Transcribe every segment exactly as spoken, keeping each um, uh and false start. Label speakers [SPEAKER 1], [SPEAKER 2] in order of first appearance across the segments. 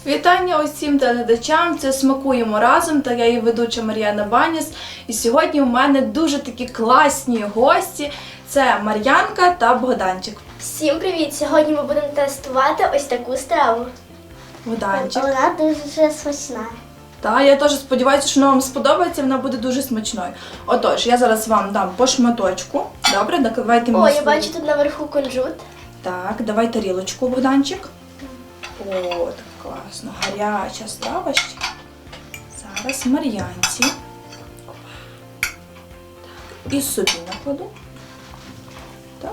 [SPEAKER 1] Вітання усім телеглядачам, це «Смакуємо разом» та я її ведуча Мар'яна Баніс. І сьогодні у мене дуже такі класні гості. Це Мар'янка та Богданчик.
[SPEAKER 2] Всім привіт! Сьогодні ми будемо тестувати ось таку страву.
[SPEAKER 1] Богданчик.
[SPEAKER 2] Вона дуже смачна.
[SPEAKER 1] Так, я теж сподіваюся, що вона вам сподобається, вона буде дуже смачною. Отож, я зараз вам дам по шматочку. Добре, давайте мені
[SPEAKER 2] О, я
[SPEAKER 1] свою-
[SPEAKER 2] бачу тут наверху кунжут.
[SPEAKER 1] Так, давай тарілочку, Богданчик. О, так класно, гаряча страва ще. Зараз Мар'янці. Так, і собі накладу. Так.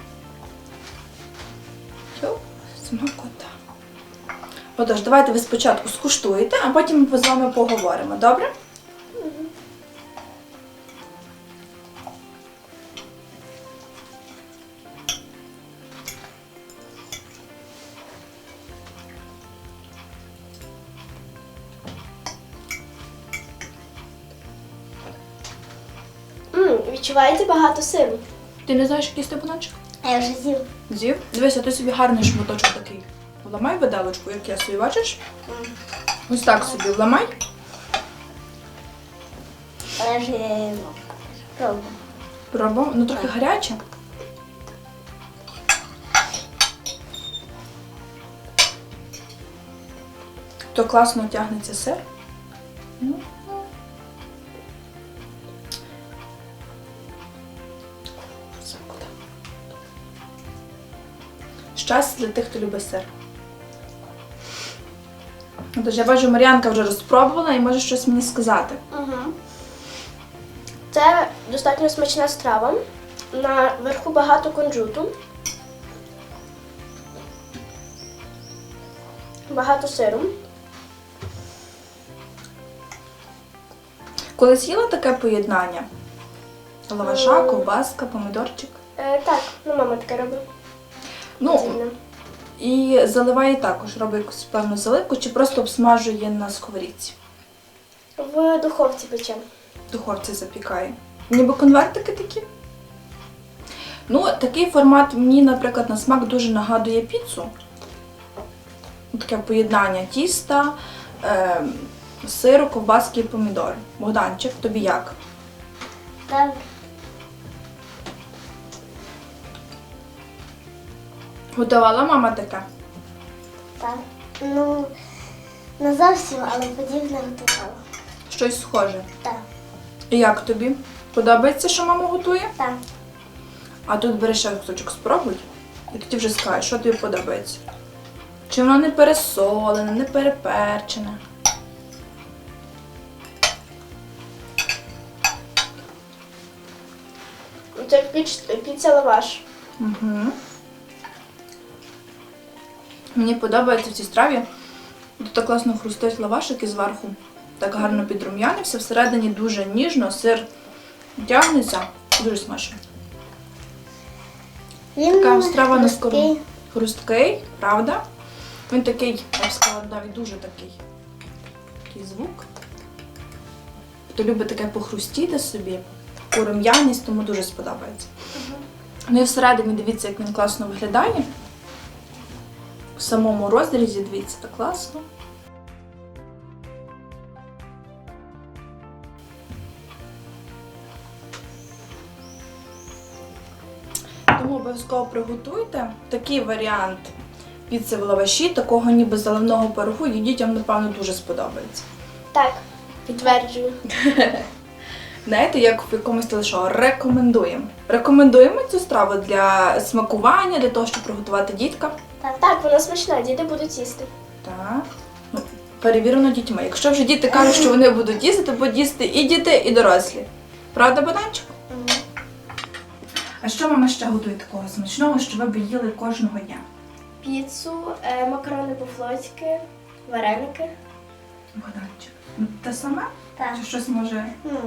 [SPEAKER 1] Йоп, смакота. Отож, давайте ви спочатку скуштуєте, а потім ми з вами поговоримо, добре?
[SPEAKER 2] М, відчуваєте багато сиру.
[SPEAKER 1] Ти не знаєш, який степаночок?
[SPEAKER 2] А я вже з'їв.
[SPEAKER 1] З'їв? Дивися, ти собі гарний шматочок такий. Вламай виделочку, як я собі, бачиш? Ось так собі вламай.
[SPEAKER 2] Але я вже пробував.
[SPEAKER 1] Пробуємо. Ну трохи гаряче. То класно тягнеться сир. Ну. Смакота. Щастя для тих, хто любить сир. Тож я бачу, Мар'янка вже розпробувала і може щось мені сказати.
[SPEAKER 2] Угу. Це достатньо смачна страва. Наверху багато кунжуту. Багато сиру.
[SPEAKER 1] Колись їла таке поєднання? Лаваша, ковбаска, помідорчик.
[SPEAKER 2] Е, так, ну мама таке робить.
[SPEAKER 1] Ну,
[SPEAKER 2] Дивно.
[SPEAKER 1] і заливає також, робить якусь певну заливку, чи просто обсмажує на сковорідці.
[SPEAKER 2] В духовці печемо.
[SPEAKER 1] В духовці запікає. Ніби конвертики такі. Ну, такий формат мені, наприклад, на смак дуже нагадує піцу. Таке поєднання тіста, е, сиру, ковбаски і помідори. Богданчик, тобі як?
[SPEAKER 2] Так.
[SPEAKER 1] Готувала мама таке?
[SPEAKER 2] Так. Ну, не зовсім, але подібне готувала.
[SPEAKER 1] Щось схоже.
[SPEAKER 2] Так.
[SPEAKER 1] І як тобі? Подобається, що мама готує?
[SPEAKER 2] Так.
[SPEAKER 1] А тут береш ще кусочок, спробуй. І тоді вже скажеш, що тобі подобається. Чи воно не пересолене, не переперчене.
[SPEAKER 2] Це піч- піца лаваш.
[SPEAKER 1] Угу. Мені подобається в цій страві. Тут так класно хрустить лавашик і зверху. Так гарно підрум'янився. Всередині дуже ніжно, сир тягнеться. Дуже смачно.
[SPEAKER 2] Він
[SPEAKER 1] Така страва на
[SPEAKER 2] хрусткий.
[SPEAKER 1] скору. Хрусткий, правда? Він такий, я б сказала, навіть дуже такий. Такий звук. Хто любить таке похрустіти собі, таку рум'яність, тому дуже сподобається. Ну і всередині дивіться, як він класно виглядає. В самому розрізі, дивіться, так класно. Тому обов'язково приготуйте такий варіант піци в лаваші, такого ніби заливного пирогу, і дітям, напевно, дуже сподобається.
[SPEAKER 2] Так, підтверджую.
[SPEAKER 1] Знаєте, як в якомусь телешоу, рекомендуємо. Рекомендуємо цю страву для смакування, для того, щоб приготувати діткам.
[SPEAKER 2] Так, так, вона смачна, діти будуть їсти.
[SPEAKER 1] Так. Ну, перевірено дітьми. Якщо вже діти кажуть, що вони будуть їсти, то будуть їсти і діти, і дорослі. Правда, Богданчик? А що мама ще готує такого смачного, що ви б їли кожного дня?
[SPEAKER 2] Піцу, е, макарони по-флотськи, вареники.
[SPEAKER 1] Богданчик. Ну, те саме?
[SPEAKER 2] Так.
[SPEAKER 1] Чи щось може?
[SPEAKER 2] Ну,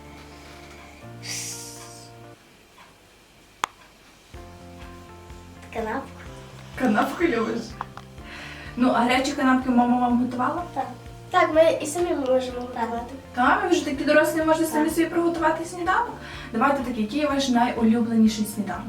[SPEAKER 2] канапку.
[SPEAKER 1] Канапку любиш? Ну, а гарячі канапки мама вам готувала?
[SPEAKER 2] Так. Так, ми і самі можемо готувати.
[SPEAKER 1] Так, ви вже такі дорослі можете самі собі приготувати сніданок. Давайте такий, який ваш найулюбленіший сніданок?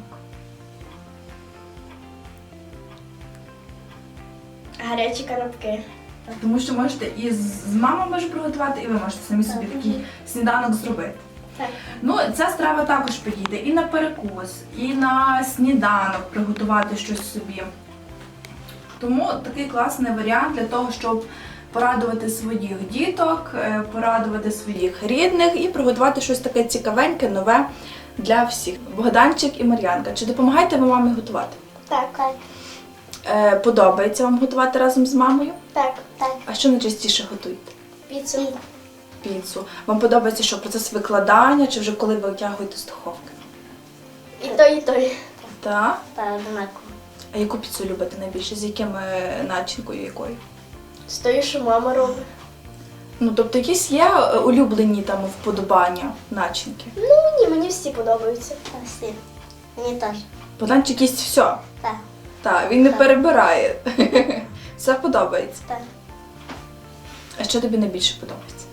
[SPEAKER 2] Гарячі канапки.
[SPEAKER 1] Тому що можете і з з мамою може приготувати, і ви можете самі собі такий сніданок зробити.
[SPEAKER 2] Так.
[SPEAKER 1] Ну, ця страва також підійде і на перекус, і на сніданок приготувати щось собі. Тому такий класний варіант для того, щоб порадувати своїх діток, е, порадувати своїх рідних і приготувати щось таке цікавеньке, нове для всіх. Богданчик і Мар'янка, чи допомагаєте ви мамі готувати?
[SPEAKER 2] Так, так,
[SPEAKER 1] Е, подобається вам готувати разом з мамою?
[SPEAKER 2] так, так.
[SPEAKER 1] А що найчастіше готуєте?
[SPEAKER 2] Піцу.
[SPEAKER 1] Піцу. Вам подобається що, процес викладання, чи вже коли ви витягуєте з духовки?
[SPEAKER 2] І той, і той.
[SPEAKER 1] Так.
[SPEAKER 2] Так, однаково.
[SPEAKER 1] А яку піцу любите найбільше? З якими начинкою якою?
[SPEAKER 2] З тою, що мама робить.
[SPEAKER 1] Ну, тобто якісь є е, улюблені там вподобання начинки?
[SPEAKER 2] Ну, ні, мені всі подобаються. Всі. Мені теж.
[SPEAKER 1] Богданчик їсть все.
[SPEAKER 2] Так.
[SPEAKER 1] Так, він не
[SPEAKER 2] Так.
[SPEAKER 1] перебирає. Все подобається.
[SPEAKER 2] Так.
[SPEAKER 1] А що тобі найбільше подобається?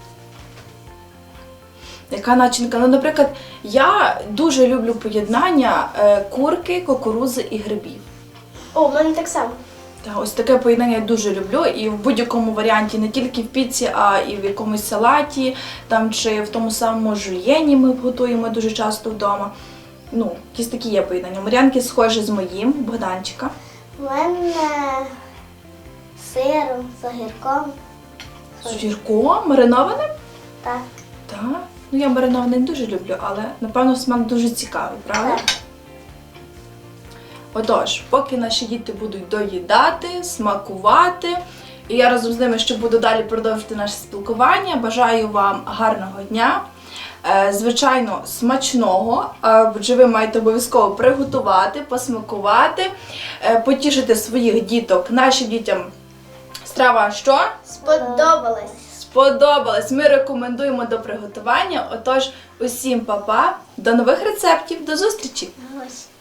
[SPEAKER 1] Яка начинка? Ну, наприклад, я дуже люблю поєднання е, курки, кукурузи і грибів.
[SPEAKER 2] О, в мене так само.
[SPEAKER 1] Та, ось таке поєднання я дуже люблю, і в будь-якому варіанті, не тільки в піці, а і в якомусь салаті, там, чи в тому самому жульєні ми готуємо дуже часто вдома. Ну, якісь такі є поєднання. Мар'янки схожі з моїм, Богданчика.
[SPEAKER 2] У мене з сиром, з огірком.
[SPEAKER 1] З огірком, маринованим?
[SPEAKER 2] Так.
[SPEAKER 1] Так. Ну, я мариноване не дуже люблю, але, напевно, смак дуже цікавий, правда?
[SPEAKER 2] Так.
[SPEAKER 1] Отож, поки наші діти будуть доїдати, смакувати, і я разом з ними ще буду далі продовжити наше спілкування, бажаю вам гарного дня, е, звичайно, смачного, е, адже ви маєте обов'язково приготувати, посмакувати, е, потішити своїх діток. Нашим дітям страва що?
[SPEAKER 2] Сподобалось.
[SPEAKER 1] Сподобалась. Ми рекомендуємо до приготування. Отож, усім па-па, до нових рецептів, до зустрічі!
[SPEAKER 2] Ось.